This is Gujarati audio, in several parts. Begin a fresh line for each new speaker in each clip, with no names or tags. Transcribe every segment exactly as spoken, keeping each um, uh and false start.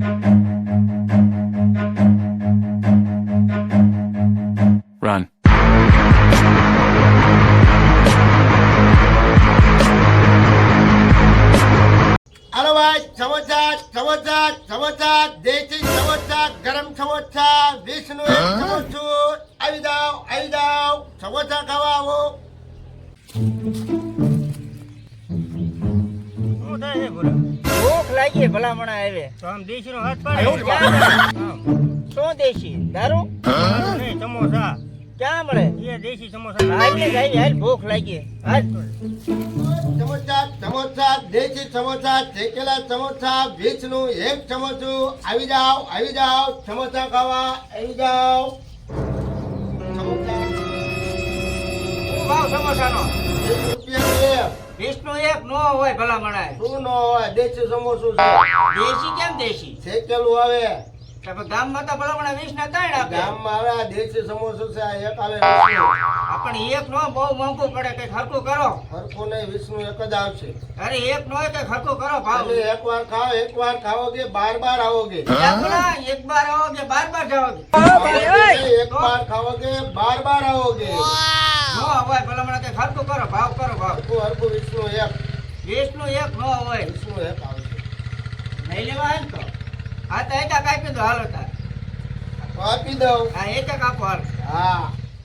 Run.
हेलो भाई समोसा समोसा समोसा देसी समोसा गरम समोसा विष्णु एक समोसू આવી જાઓ આવી જાઓ સમોસા ખાવા આવો
શું થાય છે બોલો?
ભૂખ લાગી ભલામણા આવે
તો આમ દેશીનો હાથ પાડે.
શું દેશી દારૂ
નહીં, સમોસા.
ક્યાં મળે?
એ દેશી સમોસા.
હાલ ને જાય હાલ ભૂખ લાગી હાલ
સમોસા સમોસા દેશી સમોસા શેકેલા સમોસા વિષ્ણુ એક સમોસું આવી જાઓ આવી જાઓ સમોસા ખાવા આવી જાઓ સમોસા
શું ભાવ સમોસાનો?
વીસ રૂપિયા એક.
વિષ્ણુ એક નો હોય ભલામણા
શું ન હોય દેશી સમોસું છે
દેશી કેમ દેશી?
શેકેલું આવે
તો ગામમાં તો ભલામણા વીસ ના ત્રણ આપે
ગામમાં આવે આ દેશી સમોસું છે આ એક આવે વિષ્ણુ.
પણ એક નો બહુ મોંઘું પડે કઈક હરકું કરો.
હરખું નહીં વિષ્ણુ એક જ આવશે
અરે એક નો કઈક હરકું કરો ભાવ.
તમે એક વાર ખાઓ એક વાર ખાઓગે બાર બાર આવોગે
ભલા, એક બાર આવોગે બાર બાર જાઓગે
એક બાર ખાઓગે બાર બાર આવોગે
નો હોય ભલામણા કઈક હરકું કરો ભાવ કરો ભાવ.
હરખું હરખું વિષ્ણુ એક
વિષ્ણુ એક નો હોય
વિષ્ણુ એક આવશે
નહીં લેવા હોય ને તો હા તો એક કાપી દો હાલો તાર
તો આપી દઉં
હા એક આપો હાલ
હા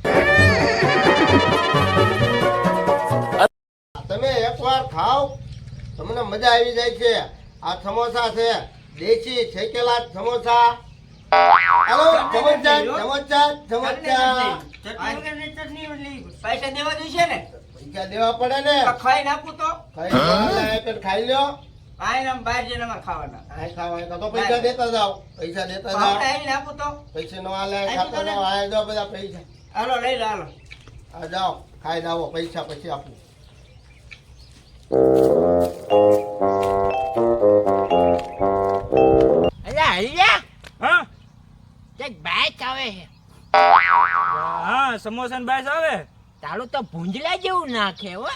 તમે એક વાર ખાઓ તમને મજા આવી જાય છે આ સમોસા છે દેશી શેકેલા સમોસા હાલો સમોસા સમોસા સમોસા
પૈસા દેવા જોઈશે ને
પૈસા દેવા પડે ને
તો ખાઈને આપું તો
ખાઈ લો, એક જ ખાઈ લ્યો
આઈને આમ બહાર જઈને અમારે ખાવાના
આ ખાવા તો પૈસા દેતા જાઓ પૈસા દેતા જાઓ
આપણે આવીને આપું તો
પૈસા નો આલે ખાતા જાઓ આ જાઓ બધા પૈસા
હાલો લઈ લો હાલો
આ જાઓ ખાઈને આવો પૈસા પછી આપું
અલ્યા હલ્યા
હા
એક બાઈક આવે છે
હા, સમોસા ને બાઈસ આવે.
તારું તો ભૂંજલા જેવું નાખે હો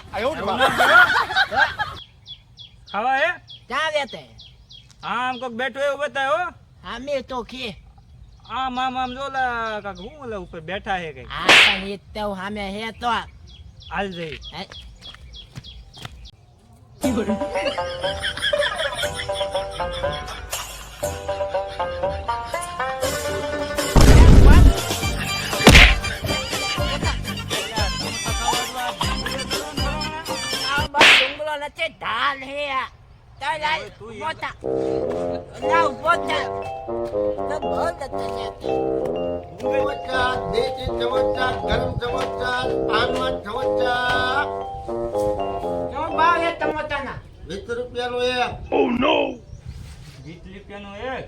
ખાવા હે?
ક્યાં રહેતે
આમ કોક બેઠો એવું બતાવે હો.
અમે તો ખે
આમ આમ આમ જોલા કાક હું ઓલા ઉપર બેઠા હે કઈ.
આ પણ એ તો સામે હે તો
હાલ જઈ.
હે? આ બસ ડુંગળો નથી ઢાલ હે આ. તો લાલ મોટા ના મોટા તો બહુ નથી
સમોસા દેશી સમોસા ગરમ સમોસા પાનમાં સમોસા
શું ભાવ છે ટમાટાના?
વીસ રૂપિયાનું એક
વીસ રૂપિયાનું એક.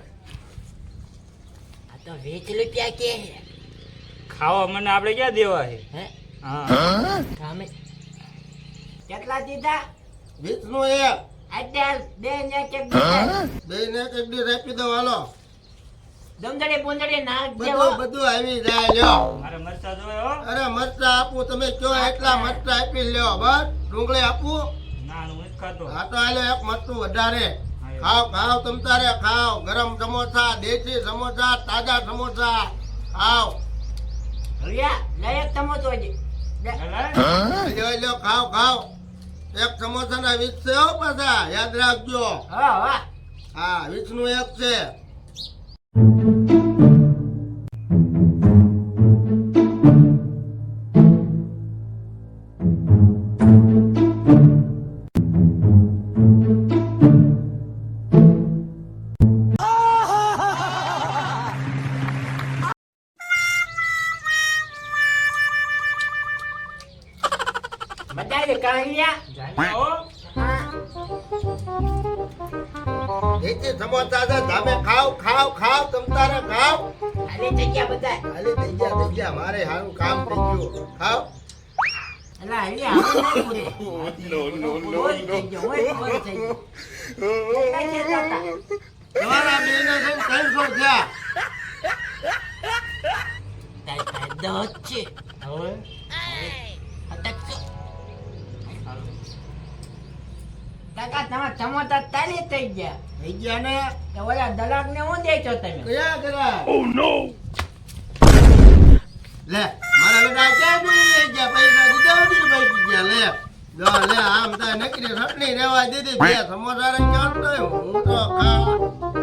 આ તો વીસ રૂપિયા કે હે
ખાવા મને આપણે ક્યાં દેવા છે?
હે
હા
કામે કેટલા દીધા?
વીસ નું એક
અત્યાર બે ને કે દીધા
બે ને એક દી આપી દો હાલો
દમદડે બોંદડે નાખ દેવો
બધું બધું આવી જાય લ્યો
મારે મરચા જોવે હો.
અરે મરચા આપું તમે કયો એટલા મરચા આપી લ્યો બસ ડુંગળી આપું
ના હું નથી ખાતો.
હા તો આલે એક મરચું વધારે ખાઓ ખાઓ તમ તારે ખાઓ ગરમ સમોસા દેશી સમોસા તાજા સમોસા ખાઓ
હરિયા લઈ એક ટમોટો જ
હાલે?
લ્યો લ્યો ખાઓ ખાઓ એક સમોસા ના વીસ છે હો પાછા યાદ રાખજો
હા હા
હા વીસ નું એક છે
બધાય કાહિયા
જાણ્યા હો?
દેશી સમોસા છે તમે ખાઓ ખાઓ ખાઓ તમ તારે ખાઓ
આલે જગ્યા બધાય
ખાલી થઈ ગયા થઈ ગયા મારે હારું કામ થઈ ગયું ખાઓ
અલા હરિયા હવે નહીં પૂરે નો નો નો નો હોય હોય થઈ ગયો કઈ છે તાતા
તમારા બેને છે ત્રણસો થયા
તાઈ તાઈ દોત છે
હવે
અટકજો કાકા તમારા સમોસા તાલી થઈ ગયા.
થઈ ગયા ને
તો ઓલા દલાલ ને હું દેજો તમે?
કયા કરા લે મારા બેટા ક્યાં ગઈ ગયા પૈસા દીધા નથી ને ભાઈ ગયા લે જો લે આમ તો નકરી રટણી રેવા દીધી બે સમોસા રે ક્યાં તો હું તો ખા